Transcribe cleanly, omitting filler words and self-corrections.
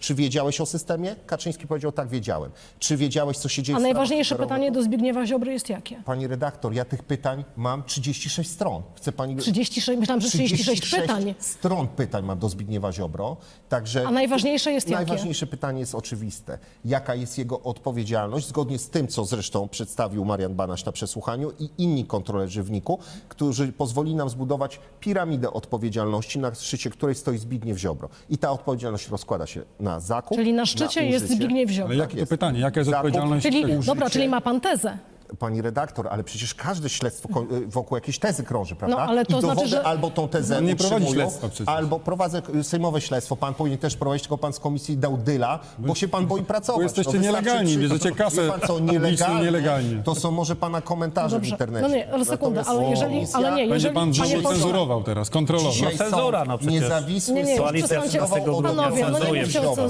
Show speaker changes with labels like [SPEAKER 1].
[SPEAKER 1] Czy wiedziałeś o systemie? Kaczyński powiedział, tak, wiedziałem. Czy wiedziałeś, co się dzieje
[SPEAKER 2] A
[SPEAKER 1] w sprawach
[SPEAKER 2] najważniejsze
[SPEAKER 1] szkodowych?
[SPEAKER 2] pytanie do Zbigniewa Ziobry jest jakie?
[SPEAKER 1] Pani redaktor, ja tych pytań mam 36 stron. Chce pani...
[SPEAKER 2] 36, myślałam, że 36 pytań.
[SPEAKER 1] stron pytań mam do Zbigniewa Ziobro. Także
[SPEAKER 2] A najważniejsze jest jakie?
[SPEAKER 1] najważniejsze pytanie jest oczywiste. Jaka jest jego odpowiedzialność, zgodnie z tym, co zresztą przedstawił Marian Banaś na przesłuchaniu i inni kontrolerzy w NIK-u, którzy pozwolili nam zbudować piramidę odpowiedzialności, na szczycie której stoi Zbigniew Ziobro. I ta odpowiedzialność rozkłada się na zakup,
[SPEAKER 2] Czyli na szczycie jest
[SPEAKER 1] użycie.
[SPEAKER 2] Zbigniew Ziobro.
[SPEAKER 3] Ale jakie to
[SPEAKER 1] jest.
[SPEAKER 3] pytanie? Jaka jest
[SPEAKER 1] Zakup,
[SPEAKER 3] odpowiedzialność?
[SPEAKER 2] Czyli,
[SPEAKER 1] użycie.
[SPEAKER 2] dobra, czyli ma pan tezę.
[SPEAKER 1] Pani redaktor, ale przecież każde śledztwo wokół jakiejś tezy krąży, prawda?
[SPEAKER 2] No, ale to
[SPEAKER 1] I dowody
[SPEAKER 2] znaczy, że-
[SPEAKER 1] albo tą tezę
[SPEAKER 3] No, nie prowadzi
[SPEAKER 1] utrzymują,
[SPEAKER 3] śledztwa przecież.
[SPEAKER 1] albo prowadzę sejmowe śledztwo. Pan powinien też prowadzić, tylko pan z komisji dał dyla, bo się pan boi pracować.
[SPEAKER 3] Bo jesteście
[SPEAKER 1] wystarczy
[SPEAKER 3] nielegalni, bierzecie kasę
[SPEAKER 1] Wie pan co,
[SPEAKER 3] publiczną nielegalnie.
[SPEAKER 1] To są może pana komentarze w
[SPEAKER 2] Dobrze.
[SPEAKER 1] internecie.
[SPEAKER 2] No nie, ale sekundę,
[SPEAKER 1] Natomiast
[SPEAKER 2] ale jeżeli,
[SPEAKER 1] komisja-
[SPEAKER 2] ale nie,
[SPEAKER 3] Będzie
[SPEAKER 2] jeżeli,
[SPEAKER 3] pan
[SPEAKER 2] panie
[SPEAKER 3] dzisiaj
[SPEAKER 2] pośle,
[SPEAKER 3] cenzurował teraz, kontrolował.
[SPEAKER 1] Dzisiaj
[SPEAKER 4] No cenzura,
[SPEAKER 1] sąd
[SPEAKER 4] no przecież.
[SPEAKER 1] niezawisły
[SPEAKER 2] Nie, już
[SPEAKER 1] sąd
[SPEAKER 2] przestańcie,
[SPEAKER 1] zdecydował o
[SPEAKER 2] panowie, no nie
[SPEAKER 1] Zbigniewie
[SPEAKER 2] mówcie o
[SPEAKER 1] Ziobrze.